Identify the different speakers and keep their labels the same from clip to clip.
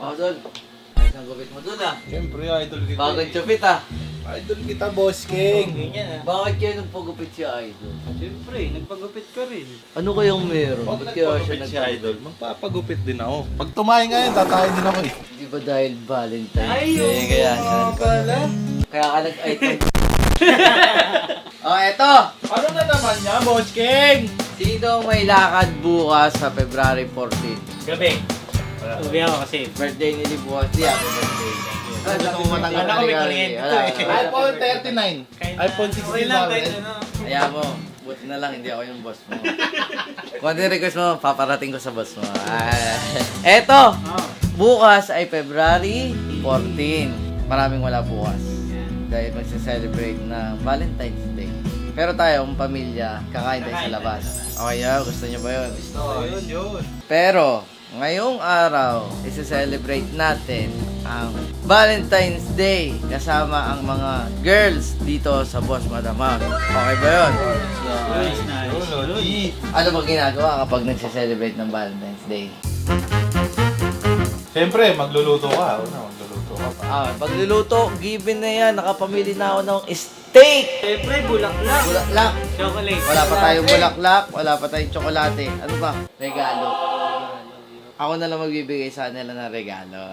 Speaker 1: Dol. Ayos ang gupit mo dun ah.
Speaker 2: Siyempre, idol kita.
Speaker 1: Bakit chupit ah?
Speaker 2: Idol kita, Boss King.
Speaker 1: Bakit kayo nagpagupit si Idol?
Speaker 3: Siyempre, nagpagupit ka rin.
Speaker 1: Ano kayang meron?
Speaker 2: Pag
Speaker 1: Ba't kaya siya
Speaker 2: nagpagupit si Idol, magpapagupit din ako. Pag tumayo ngayon, tatayo din ako eh.
Speaker 1: Di ba dahil Valentine's
Speaker 3: Ay,
Speaker 1: Day?
Speaker 3: oo
Speaker 1: Kaya
Speaker 3: nga
Speaker 1: siya
Speaker 3: pala.
Speaker 1: Kaya ka nag-item. Oh, eto!
Speaker 2: Ano na naman niya, Boss King?
Speaker 1: Sino ang may lakad bukas sa February 14?
Speaker 3: Gabi. Uwi ako kasi.
Speaker 1: Birthday ni Lee bukas. Di happy birthday.
Speaker 2: Ay, gusto mo matanggal
Speaker 3: Alam ko may
Speaker 1: Kali-kali.
Speaker 3: kuryente
Speaker 1: Wala,
Speaker 3: to eh.
Speaker 1: wala.
Speaker 2: iPhone 39. iPhone 16
Speaker 3: Okay lang, kahit ano.
Speaker 1: Kaya mo, buti na lang hindi ako yung boss mo. Kung ano yung request mo, paparating ko sa boss mo. Eto!
Speaker 3: Oh.
Speaker 1: Bukas ay February 14. Maraming wala bukas. Dahil magsa-celebrate na Valentine's Day. Pero tayo, ang pamilya, kakain tayo sa labas. Okay, gusto niyo ba yun?
Speaker 2: Yun.
Speaker 1: Pero, ngayong araw, isa-celebrate natin ang Valentine's Day kasama ang mga girls dito sa Boss Madamang. Okay ba yun?
Speaker 3: Nice, nice.
Speaker 1: Ano ba ginagawa kapag nagsa-celebrate ng Valentine's Day?
Speaker 2: Siyempre, magluluto ka. Magluluto ka pa.
Speaker 1: Pagluluto, given na yan. Nakapamili na ako ng steak!
Speaker 3: Siyempre, bulaklak.
Speaker 1: Bulaklak!
Speaker 3: Chocolate.
Speaker 1: Wala pa tayong bulaklak, wala pa tayong tsokolate. Ano ba? Regalo. Ako na lang magbibigay sa nila ng regalo.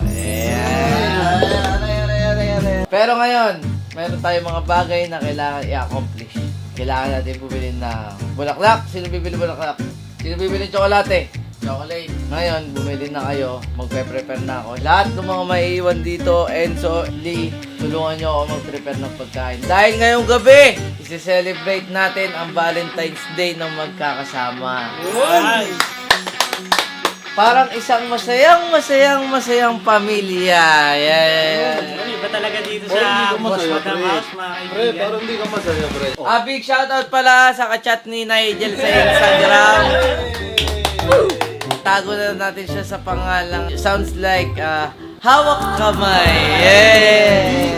Speaker 1: Pero ngayon, meron tayong mga bagay na kailangan i-accomplish. Kailangan natin bumili ng bulaklak. Sino bibili bulaklak? Sino bibili ng tsokolate? Chocolate. Ngayon, bumili na kayo. Magpe-prepare na ako. Lahat ng mga maiiwan dito, Enzo, Lee, tulungan nyo ako mag-prepare ng pagkain. Dahil ngayong gabi, isi-celebrate natin ang Valentine's Day ng magkakasama.
Speaker 3: Nice.
Speaker 1: Parang isang masayang pamilya. Yeah.
Speaker 3: Ano, iba talaga dito
Speaker 2: Oh, hindi
Speaker 3: sa
Speaker 2: ka
Speaker 3: Boss
Speaker 2: masaya,
Speaker 3: Madam
Speaker 2: pre.
Speaker 3: House, mga
Speaker 2: Pre,
Speaker 3: kaibigan.
Speaker 2: parang hindi ka masaya, pre.
Speaker 1: Big shoutout pala sa kachat ni Nigel sa Instagram. Tago na natin siya sa pangalang sounds like hawak kamay. Yeah.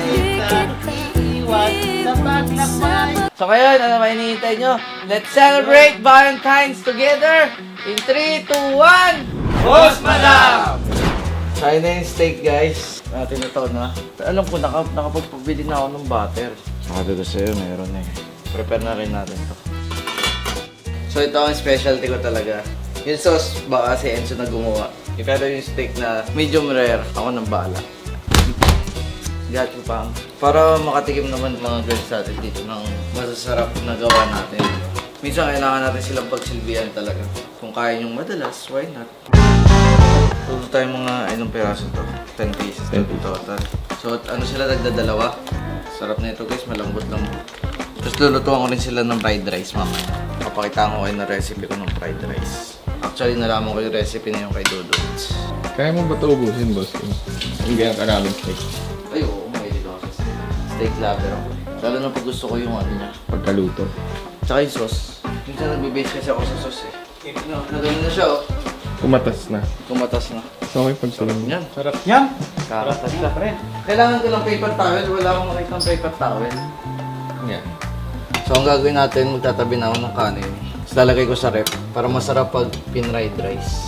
Speaker 1: So ngayon, ano ba hinihintay nyo? Let's celebrate Valentine's together in 3, 2, 1!
Speaker 2: Boss Madam!
Speaker 1: Kaya na yung steak, guys. Natin ito na. Alam ko, nakapagpabili na ako ng butter. Sabi ko sa'yo, meron eh. Prepare na rin natin to. So ito ang specialty ko talaga. Yung sauce, baka si Enzo na gumawa. Pero yung steak na medium rare, ako nang bahala. Gacho pang. Para makatikim naman mga girls natin dito ng masasarap na gawa natin. Minsan kailangan natin silang pagsilbihan talaga. Kung kaya nyong madalas, why not? Tuto tayo mga ilang peraso to. 10 pieces in total. So ano sila nagdadalawa? Sarap na ito guys, malambot lang. Tapos lulutuan ko rin sila ng fried rice mamaya. Papakita ko kayo na recipe ko ng fried rice. Actually nalaman ko yung recipe na yung kay Dodots.
Speaker 4: Kaya mo ba ito ubusin, boss? Yung ganyan karaming steak.
Speaker 1: Ay oo, mahilig ako sa steak. Steak lover ako. Lalo na pag gusto ko yung ano niya.
Speaker 4: Pagkaluto.
Speaker 1: Tsaka yung sauce. Minsan nagbe-base kasi ako sa sauce eh. Nagano na siya oh.
Speaker 4: Kumatas na.
Speaker 1: Kumatas na.
Speaker 4: So, okay pagsulong.
Speaker 1: Yan.
Speaker 3: Sarap yan.
Speaker 1: Kakatas siya. Kailangan ko ng paper towel. Wala akong makita ng paper towel.
Speaker 4: Yan.
Speaker 1: So ang gagawin natin, magtatabi na ako ng kanin. Tapos lalagay ko sa rep para masarap pag pinried rice.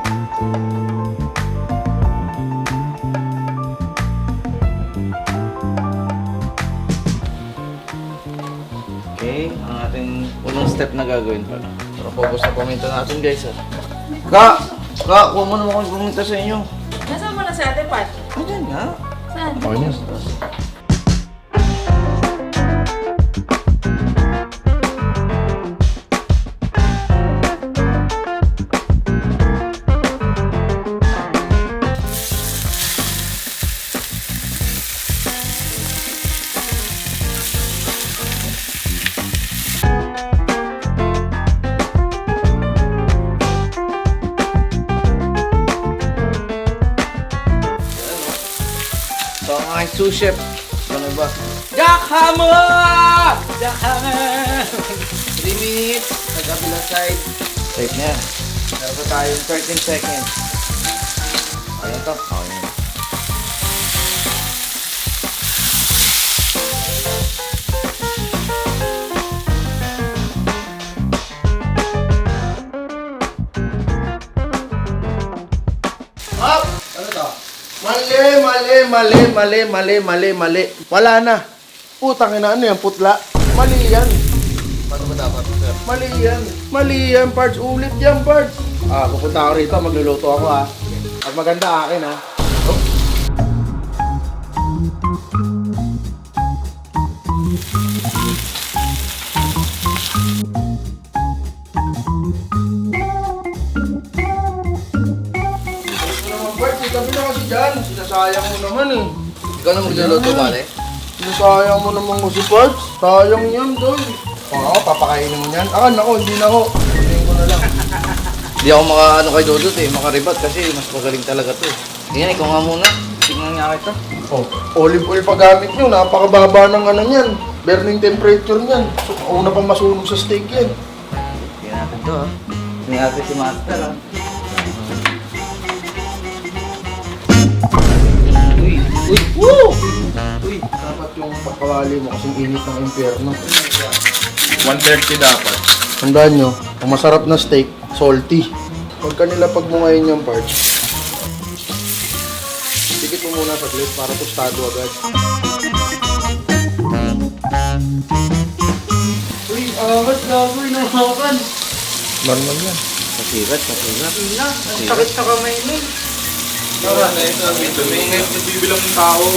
Speaker 1: Okay, ang ating unang step na gagawin pala. Pero focus na paminta natin guys ha. Ka, kuha mo naman kung paminta sa inyo.
Speaker 5: Nasaan mo na si Ate Pat?
Speaker 1: Ayan nga.
Speaker 5: Saan?
Speaker 4: Okay na.
Speaker 1: So ang aking sous chef, ano ba? Jack Hammer!
Speaker 3: Jack Hammer!
Speaker 1: 3 minutes, sa kabilang side. Safe na yan. Meron pa tayong 13 seconds. Ayun to. Okay na. Up! Ano to?
Speaker 5: Mali. Wala na. Putang ina, ano yan, putla? Mali yan.
Speaker 2: Paano ba dapat, sir?
Speaker 5: Mali yan, Pards. Ulit yan, Pards. Pupunta ako rito, magluluto ako At maganda akin Pards, itabi na kasi dyan. Sinasayang mo naman
Speaker 1: Ikaw na magluluto, pare.
Speaker 5: Sinasayang mo naman kasi, Pards. Sayang yan, doy. Papakainin mo yan. Nako, hindi na ako. Kunin ko na lang.
Speaker 1: Hindi ako kay Dudut makaribat kasi mas magaling talaga to Tingnan, ikaw nga muna. Tingnan nga kita.
Speaker 5: Olive oil pa gamit nyo. Napakababa ng ano yan. Burning temperature niyan. So, una pang masunog sa steak yan.
Speaker 1: Tingnan natin to Tingnan natin si Master
Speaker 5: Uy, dapat yung pagkawali mo kasing init ng impyerno.
Speaker 4: 130 dapat.
Speaker 5: Tandaan nyo, ang masarap na steak, salty. Huwag ka nila pagmungayin yung parts. Sikit mo muna saglit para tostado agad. Uy, angat na ako, inahakan.
Speaker 4: Normal yan.
Speaker 1: Pasigat.
Speaker 5: Ang sakit sa kamay mo.
Speaker 4: Tara na ito. Nagbibilang ng tao.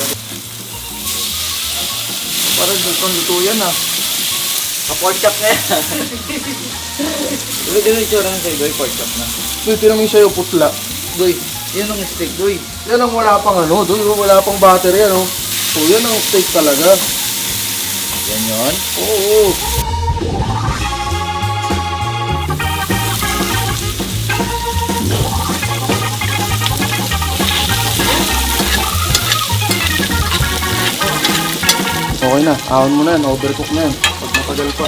Speaker 5: Parang luto yan
Speaker 1: Pork chop na yan. Diba yung itsura ng sa'yo, Goy? Pork chop na.
Speaker 5: Uy, tinamay sa'yo, putla.
Speaker 1: Goy, yun ang steak, Goy.
Speaker 5: Yan ang wala pang wala pang battery So yan ang steak talaga.
Speaker 1: Yan yun.
Speaker 5: Oo. Okay na, ahon mo na yan, overcook na yan. Pag matagal pa.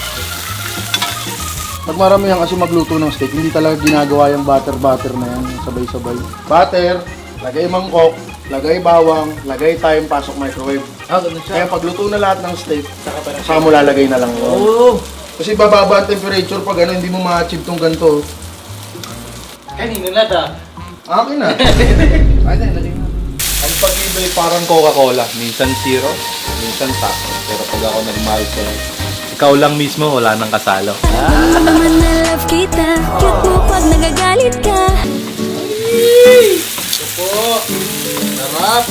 Speaker 5: Pag marami yan kasi magluto ng steak, hindi talaga ginagawa yung butter na yan, sabay-sabay. Butter, lagay mangkok, lagay bawang, lagay thyme, pasok microwave.
Speaker 1: Ganun
Speaker 5: Kaya pag luto na lahat ng steak, saka mo lalagay na lang yun.
Speaker 1: Oo.
Speaker 5: Kasi bababa ang temperature pag hindi mo ma-achieve tong ganito.
Speaker 3: Kanino na ta?
Speaker 5: Akin na.
Speaker 1: Ay, lagay mo.
Speaker 2: Ang pag-ibig parang Coca-Cola. Minsan zero, minsan sakto. Pero pag ako nagmahal ko, ikaw lang mismo, wala nang kasalo.
Speaker 6: naman na love kita. Cute mo pag nagagalit ka.
Speaker 5: Sarap.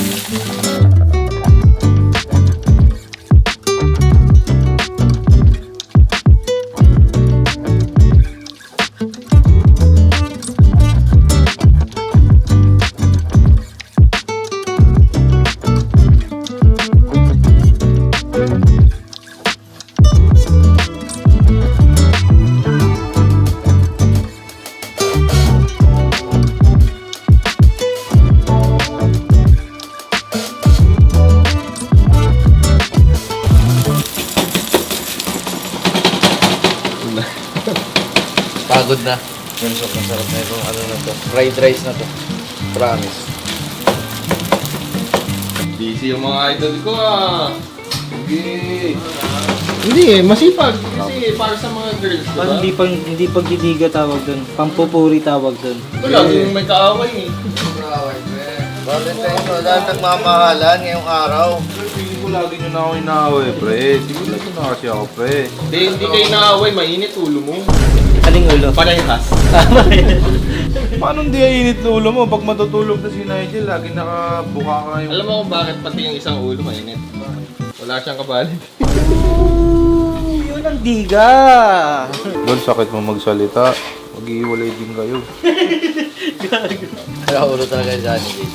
Speaker 1: Pagod na. Yung sobrang sarap na itong ano na to. Fried rice na to. Promise.
Speaker 4: Busy yung mga idol ko
Speaker 5: Sige. Hindi masipag. Kasi para sa mga girls, diba?
Speaker 3: Parang hindi pagdidiga tawag doon. Pampupuri tawag doon.
Speaker 4: Ito laging may kaaway
Speaker 1: Valentine's mo, dahil nagmamahalan ngayong araw.
Speaker 2: Hindi ko lagi nyo na ako inaaway, pre. Siguro na kasi ako, pre.
Speaker 4: Hindi kayo naaway, mainit ulo mo.
Speaker 3: Aling ulo.
Speaker 4: Parehas.
Speaker 2: Paano hindi init na ulo mo? Pag matutulog na si Nigel, lagi nakabuka ka yung...
Speaker 4: Alam mo kung bakit pati yung isang ulo mainit? Wala siyang kapalit.
Speaker 3: Yun ang diga.
Speaker 2: Doon, sakit mo magsalita. Mag-iiwalay din kayo.
Speaker 1: Kaya ulo talaga yung Johnny Cage.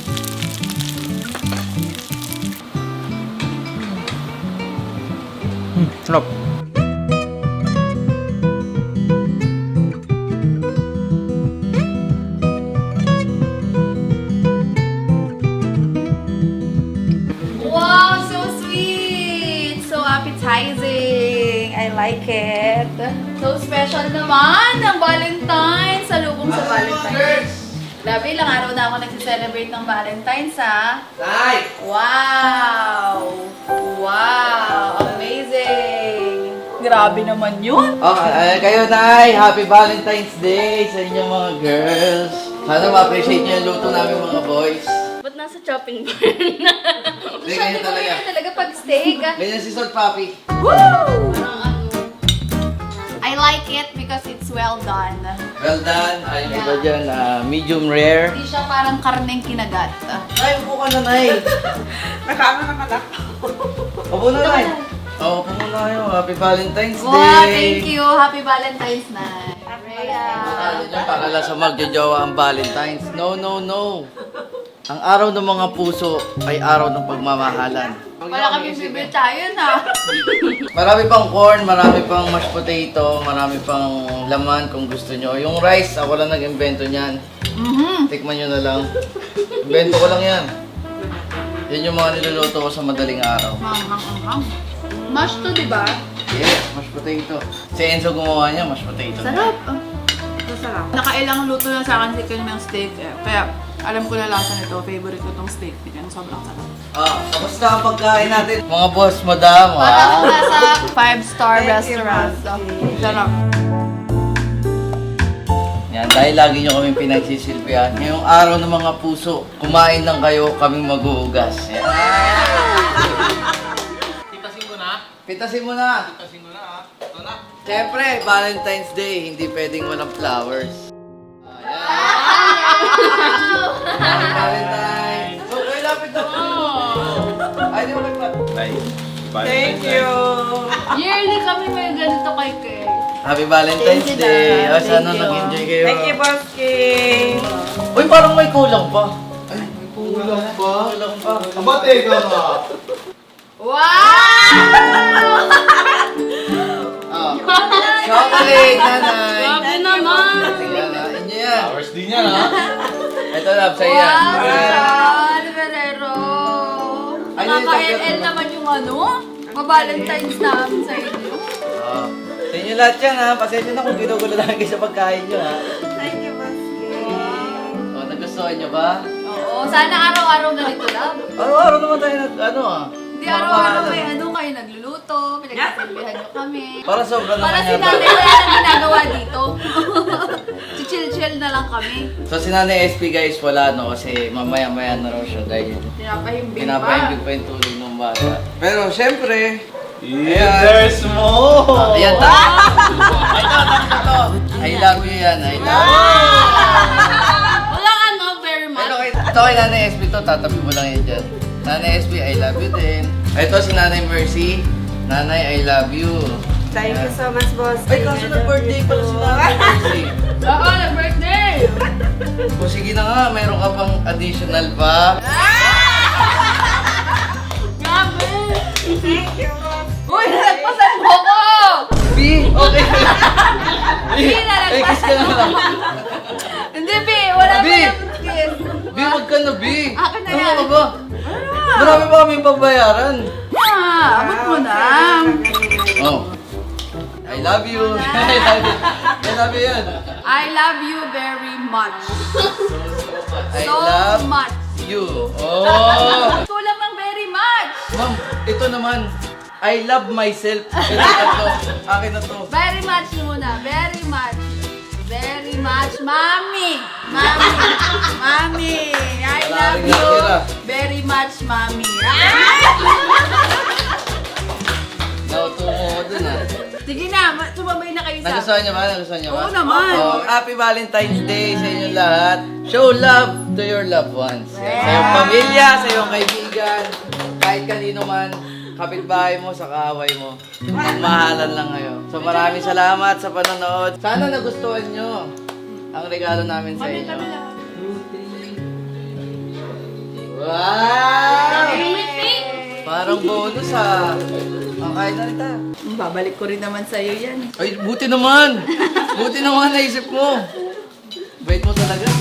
Speaker 3: Sarap.
Speaker 7: Wow, so sweet! So appetizing! I like it. So special naman ng Valentine's! Salubong sa Valentine's. Grabe, ilang araw na ako nagsiselebrate ng Valentine's, ha? Wow! Wow! Amazing! Grabe! Grabe naman yun.
Speaker 1: Okay, kayo Nay, Happy Valentine's Day sa inyong mga girls. Sana ma-appreciate nyo yung luto namin mga boys.
Speaker 7: Ba't nasa chopping board na?
Speaker 1: Hindi, ganyan talaga.
Speaker 7: Talaga pag steak.
Speaker 1: Ganyan si Salt Papi.
Speaker 7: Woo! I like it because it's well done.
Speaker 1: Well done. Ayun iba dyan, medium rare.
Speaker 7: Hindi siya parang karneng kinagat.
Speaker 1: Nay, upo ka na, Nay.
Speaker 8: Nakama naman ako.
Speaker 1: Upo na, Nay. Oo, upo muna kayo. Happy Valentine's Day.
Speaker 7: Wow, thank you. Happy Valentine's Night. Rhea.
Speaker 1: Ano nyo, para lang sa magjojowa ang Valentine's. No, no, no. Ang araw ng mga puso ay araw ng pagmamahalan.
Speaker 7: Wala kami bibitayan ha.
Speaker 1: Marami pang corn, marami pang mashed potato, marami pang laman kung gusto nyo. Yung rice, ako lang nag-invento niyan. Tikman nyo na lang. Invento ko lang yan. Yan yung mga niluluto ko sa madaling araw.
Speaker 7: Manghang-anghang. Mash to, di ba?
Speaker 1: Yes, mashed potato. Si Enzo gumawa niya, mashed potato.
Speaker 7: Sarap.
Speaker 8: Masarap.
Speaker 7: Nakailang luto na sa akin si Ken ng steak eh. Kaya alam ko na lasa nito. Favorite ko tong steak. Ken, sobrang sarap.
Speaker 1: Kamusta ang pagkain natin? Mga boss, madam,
Speaker 7: Parang nasa 5-star restaurant. Sarap.
Speaker 1: Yan, dahil lagi nyo kaming pinagsisilbihan. Ngayong araw ng mga puso, kumain lang kayo, kaming mag-uugas. Yan.
Speaker 2: Pitasin mo na.
Speaker 1: Pitasin mo na.
Speaker 2: Pitasin mo na ha. Ito na.
Speaker 1: Siyempre, Valentine's Day, hindi pwedeng walang flowers. Happy Valentine's! So, kayo lapit na mo! Ay, di mo nagpat.
Speaker 2: Nice.
Speaker 8: Thank you.
Speaker 7: Yearly kami may ganito kay Ken.
Speaker 1: Happy Valentine's
Speaker 7: Thank you,
Speaker 1: Day!
Speaker 7: Dad.
Speaker 1: O, sana
Speaker 7: Thank you.
Speaker 1: nag-enjoy kayo.
Speaker 8: Thank you, Boss King.
Speaker 1: Uy, parang may kulang pa. Ay, may kulang pa. Kulang pa.
Speaker 4: Aba, teka nga.
Speaker 7: Wow!
Speaker 1: Chocolate, nanay!
Speaker 7: Grabe naman!
Speaker 1: Tingnan na, inyo yan.
Speaker 2: Hours din yan ha.
Speaker 1: Ito, love, sa'yo yan.
Speaker 7: Wow! Saan, Ferrero?
Speaker 1: Ay,
Speaker 7: Nakaka-LL naman yung ano? Ma-Valentine's namin sa inyo.
Speaker 1: Sa inyo lahat yan ha. Pasensya na kung ginugulo namin kayo sa pagkain nyo ha.
Speaker 8: Thank you, Boss King.
Speaker 1: O, nagustuhan nyo ba?
Speaker 7: Oo, sana araw-araw ganito lang.
Speaker 1: Araw-araw naman tayo ano ah.
Speaker 7: Hindi araw-araw may ano kayo nagluluto, pinagsasabihan nyo kami.
Speaker 1: Para sobra naman
Speaker 7: Para si
Speaker 1: yata.
Speaker 7: nanay wala nang ginagawa dito. Si chill-chill na lang kami.
Speaker 1: So si Nanay SP guys wala no kasi mamaya-maya na raw siya dahil
Speaker 7: Pinapahimbing pa.
Speaker 1: pinapahimbing pa yung tulog ng bata. Pero syempre,
Speaker 2: There's more!
Speaker 1: ayan ta. I love you yan, I love you.
Speaker 7: Walang ano, very much.
Speaker 1: Pero ito kay Nanay SP to, tatabi mo lang yan dyan. Nanay SP, I love you din. Ito si Nanay Mercy. Nanay, I love you.
Speaker 8: Thank you so much, Boss
Speaker 1: Ay,
Speaker 8: King.
Speaker 1: kaso nag-birthday pala si Nanay Mercy.
Speaker 7: Oo, nag-birthday!
Speaker 1: O sige na nga, meron ka pang additional pa.
Speaker 7: Grabe!
Speaker 8: Thank you, Boss.
Speaker 7: Uy, nalagpasan mo ko!
Speaker 1: B, okay.
Speaker 7: B, nalagpasan
Speaker 1: Eh, kiss ka na lang.
Speaker 7: Hindi, B, wala
Speaker 1: B!
Speaker 7: pa yung kiss.
Speaker 1: B, wag ka na, B.
Speaker 7: Akin na
Speaker 1: Ano
Speaker 7: yan.
Speaker 1: ka ba? Marami pa kaming pagbayaran.
Speaker 7: Abot mo na.
Speaker 1: Oh. I love you. I love you. I love you yan.
Speaker 7: I love you very much.
Speaker 1: I
Speaker 7: So
Speaker 1: love
Speaker 7: much.
Speaker 1: you. Oh.
Speaker 7: Kulang ng very much.
Speaker 1: Ma'am, ito naman. I love myself. Ito na to. Akin na to.
Speaker 7: Very much muna. Very much. Very much. Mami. Mami. Mami. I
Speaker 1: Wala
Speaker 7: love
Speaker 1: rin
Speaker 7: you
Speaker 1: natira.
Speaker 7: very much, Mami.
Speaker 1: Nautungo ko dun ah.
Speaker 7: Sige na, sumabay na kayo sa...
Speaker 1: Nagustuhan niyo ba? Nagustuhan niyo ba?
Speaker 7: Oo naman.
Speaker 1: Oh, happy Valentine's Day sa inyo lahat. Show love to your loved ones. Yan. Sa iyong pamilya, sa iyong kaibigan, kahit kanino man, kapitbahay mo, sa kaaway mo. Mahalan lang kayo. So maraming salamat sa panonood. Sana nagustuhan nyo ang regalo namin sa inyo. Wow! Parang bonus ah. Ang kain na nita.
Speaker 7: Babalik ko rin naman sa'yo yan.
Speaker 1: Ay, buti naman! Buti naman naisip mo. Bait mo talaga.